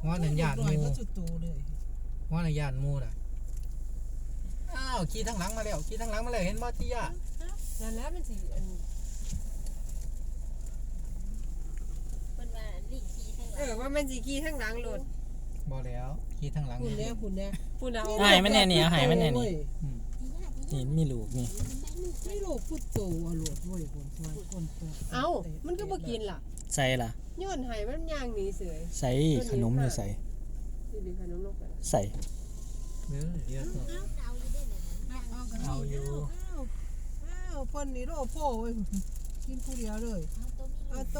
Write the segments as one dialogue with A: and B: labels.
A: ว่าหนึ่งหยาดมู
B: ก็จุดตูเลย
A: ว่าหนึ่งหยาดมูน่ะอ้าวขี่ทั้งหลังมาแล้วขี่ทั้งหลังมาแล้วเห็นบ่ที่ย่า
B: นั่นแล้วมันสิ
C: มันว่าลิงขี่ทั้งหลัง
B: ว่ามันสิขี่ทั้งหลังรถ
A: บ่แล้วขี่ทั้งหลัง
B: หุ่นแน่หุ่นแน่หุ่นเอา
D: หายมันแน่นี่หายมันแน่นี่นี่มีลูกนี่
B: ไม่ลูกพูดโตอ่ะรถเว้ยคนชายคนโตเอ้ามันก็บ่กินล่ะ
D: ใส่ล่ะ
B: ย้อนหายมันย่างหนีเสือ
D: ใส่ขนมอยู่ใส่
B: ดิขนมลงไป
D: ใส่
A: เดี๋ยวเอาอยู่
B: อ้าวเพิ่นนี่โลโพเว้ยกินผู้เดียวเลยเอาโต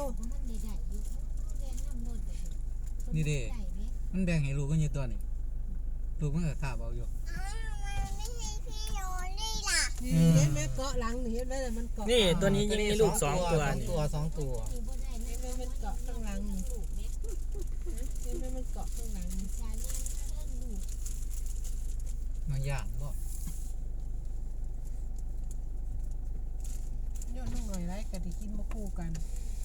A: นี่เด้มันแบ่งให้ลูกกันอยู่ตัวนี่ลูกมันก็ขาบเอาอยู่
B: เห็นไหมเกาะหลังเห็นไหมมันเกาะ
D: นี่ตัวนี้ยิงมีลูก2 ตัวนี่
A: 2 ตัว
B: เห็นไหมมันเกาะข้างหลังนี่เห็นไหมมันเกาะข้างหลังนี่
A: มันย่านบ่
B: ย้อนลงหน่อยไรกะที่กินมาคู่กัน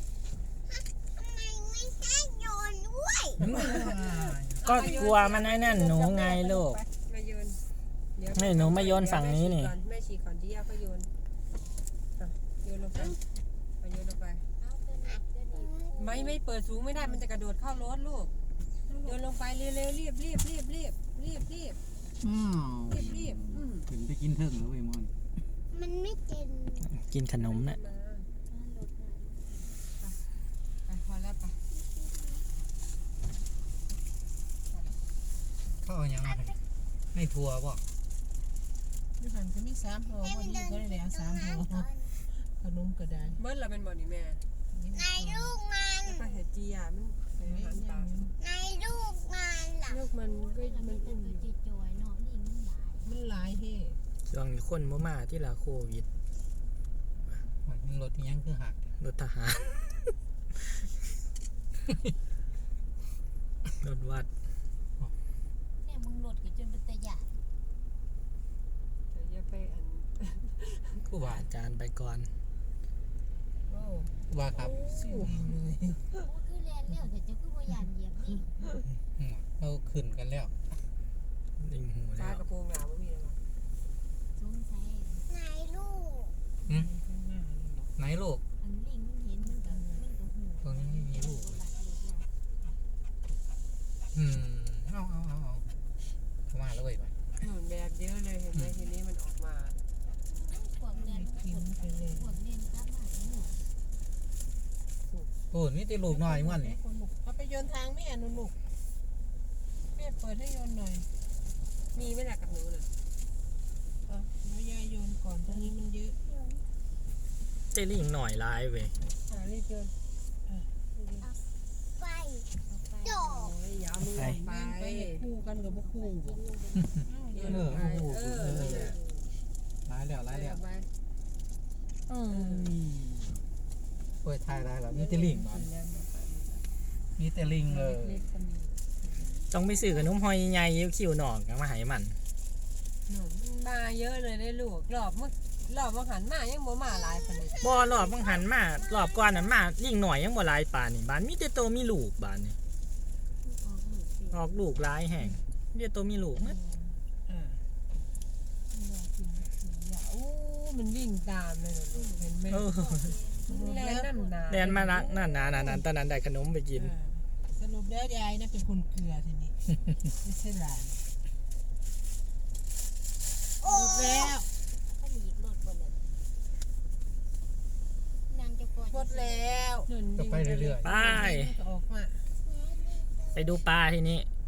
D: ก็กลัวมันไอ้นั่นหนูไงลูกไม่หนูมาโยนฝั่งนี้นี่
B: แม่ฉีกก่อนที่ย่าก็โยนโยนลงไปโยนลงไปไม่เปิดสูงไม่ได้มันจะกระโดดเข้ารถลูกโยนลงไปเร็วๆรีบ
A: ถึงไปกินเถิงแล้วเว้ยมอน
C: มันไม่
D: กินขนมน่ะ
B: ไปพอแล้วไป
A: เขาเอายังให้ทัวร์บ่
B: นี่หันก็มี3ห่อวันนี้ก็ได้แล้ว3ห่อขนมก็ได้เบิ้ลละเป็นบ่นี่แม่
C: ในลูกมัน
B: ไปเห็ดจีอ่ะมันใน
C: ลูกมันล่ะ
B: ลูกมันก็มัน
C: อุ้มอยู่จอยๆเนาะลิง
B: มันหลายเฮ่
D: ช่วงนี้คนบ่มาที่ละโควิด
A: รถยังคือหัก
D: รถทหารรถวัด
C: เนี่ยมึงรถก็จนเป็นตะหยาด
B: อย่าไป
A: กูว่า
D: อาจารย์ไปก่อน
A: ว่าครับ
C: คือแลนแล้วแต่เจ้าคือบ่ยานเหยียบนี่
A: เราขึ้นกันแล้ว
D: ลิงหูแล้ว
B: กระโปรงหนาบ่มีหรอ
C: สงสัยไหนลูก
A: ไหนลูก
C: อันลิงมันเห็นมันก็หู
A: ตรงนี้ไม่มีลูกเอาเข้ามาแล้วเว้ยไป
B: แบกเยอะเลยเห็นไหมทีนี้มันออกมา
C: พวกเล่นกินไปเลยพวกเล่นกลับมา
A: โอ้นี่ตีลูกหน่อยมันนี่
B: เอาไปโยนทางแม่หนูลูกแม่เปิดให้โยนหน่อยมีไม่หลักกับหนูเลยแม่ยายโยนก่อนตรงนี้มันเยอะ
D: เจลิงหน่อยลายเว้ย
B: รีบโยน
C: ไปจบ
B: อย่ามือไปคู่กันกับพวกคู่
A: ร้ายแล้วเปิดทายได้แล้วมีแต่ลิงเลย
D: ต้องไปซื้อขนมหอยใหญ่ๆคิวหนอกมาให้มัน
B: มาเยอะเลยได้ลูกรอบมาหันมายังบ่มาหลายคนเลย
D: บ่รอบหันมารอบก่อนนั้นมาลิงหน่อยยังบ่หลายป่านนี่บ้านมีแต่โตมีลูกบ้านนี่ออกลูกหลายแห่งมีแต่โตมีลูกมั้ย
B: มันวิ่งตามเลยลูกเห็นไหม
D: แลนมาละนั่นตอนนั้นได้ขนมไปกิน
B: สรุปแล้วยายนะเป็นคนเกลือทีนี้ไม่ใช่หลาน
C: โอ้แล้วก็หนีรถบ่เลยนางจะปล่อย
B: หมดแล้ว
A: ก็ไปเรื่อย
D: ๆไปดูปลาทีนี้